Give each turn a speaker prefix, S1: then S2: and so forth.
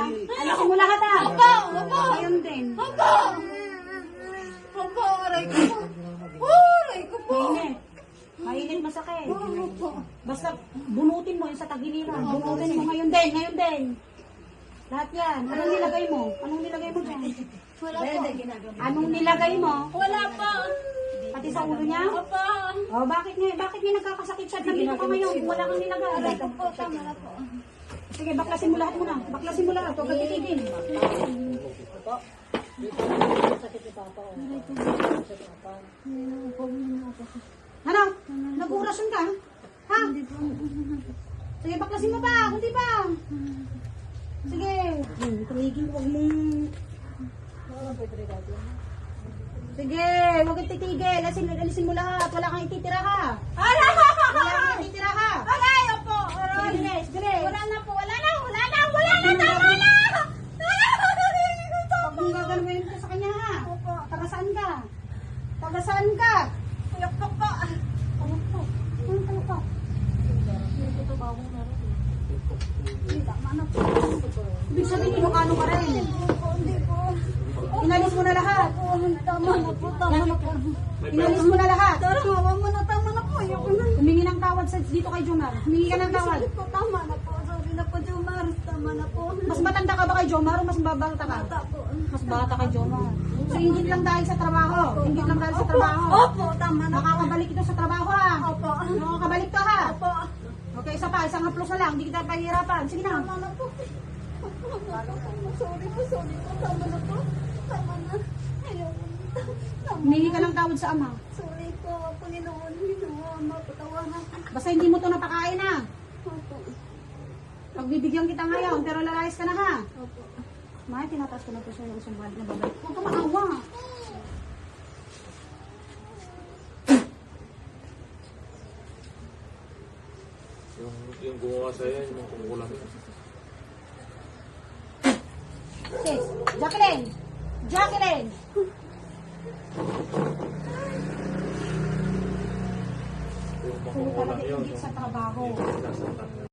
S1: Alisin mo lahat ha.
S2: Opo, opo.
S1: Ngayon din.
S2: Opo! Opo, aray ko po. Aray ko po.
S1: Mainit. Mainit masakit.
S2: Opo.
S1: Basta bunutin mo yung sa tagiliran. Bunutin mo ngayon din. Ngayon din. Lahat yan. Anong nilagay mo? Anong nilagay mo dyan?
S2: Wala po.
S1: Anong nilagay mo?
S2: Wala po.
S1: Pati sa ulo niya?
S2: Opo.
S1: Oh, bakit nga nagkakasakit siya? Nandito ka ngayon. Wala kang nilagay.
S2: Aray ko po, tama na po.
S1: Sige, baklasin mo lahat muna. Baklasin mo lahat. Huwag kang titigil. Ano? Nag-urasyon ka? Ha? Sige, baklasin mo pa. Kunti pa. Sige. Tumigil. Huwag mong... Sige, huwag kang titigil. Alisin mo lahat. Wala kang ititira ha.
S2: Aray!
S1: Wala kang ititira ha.
S2: Aray, opo. Aray.
S1: Bilis, bilis.
S2: Wala na po, wala na, wala na, wala na, tama na!
S1: Huwag mong gagawin ka sa kanya ha.
S2: Opo.
S1: Taga saan ka? Taga saan ka?
S2: Uyak po po.
S1: Ano po? Ano po? Tama na po. Ibig sabihin, Ilocano ka rin.
S2: Hindi po.
S1: Inalis mo na lahat.
S2: Tama na po, tama na po.
S1: Inalis mo na lahat.
S2: Tara, hawa mo na, tama na po. Ayoko na.
S1: Humingi ng tawad dito kay Jomar. Humingi ka ng tawad.
S2: Sorry po, tama na po. Sorry na po, Jomar. Tama na po.
S1: Mas matanda ka ba kay Jomar o mas babata ka?
S2: Bata po.
S1: Mas bata kay Jomar. So, ingit lang dahil sa trabaho. Ingit lang dahil sa trabaho.
S2: Opo, tama na po.
S1: Makakabalik ito sa trabaho ha.
S2: Opo.
S1: Makakabalik ka ha.
S2: Opo.
S1: Okay, isa pa. Isang haplos na lang. Hindi kita pahihirapan. Sige na.
S2: Tama na po. Sorry po, sorry po. Tama na po. Tama na. Ayoko na. Tama
S1: Humingi
S2: na.
S1: ka ng tawad sa ama.
S2: Sorry po, Panginoon. Ginawa, mapatawanan ko.
S1: Basta hindi mo ito napakain ha.
S2: Opo.
S1: Pagbibigyan kita ngayon, pero lalayas ka na ha.
S2: Opo.
S1: May, tinataas ko na po sa'yo yung isang balik na babalik. Huwag ka maawa.
S3: Yung gumawa sa'yo, yung kumukulang.
S1: Sis, Jacqueline! Jacqueline!
S3: Yung
S1: Kung
S3: kumukulang
S1: talaga
S3: yun.
S1: ingit sa trabaho.
S3: Yung nasa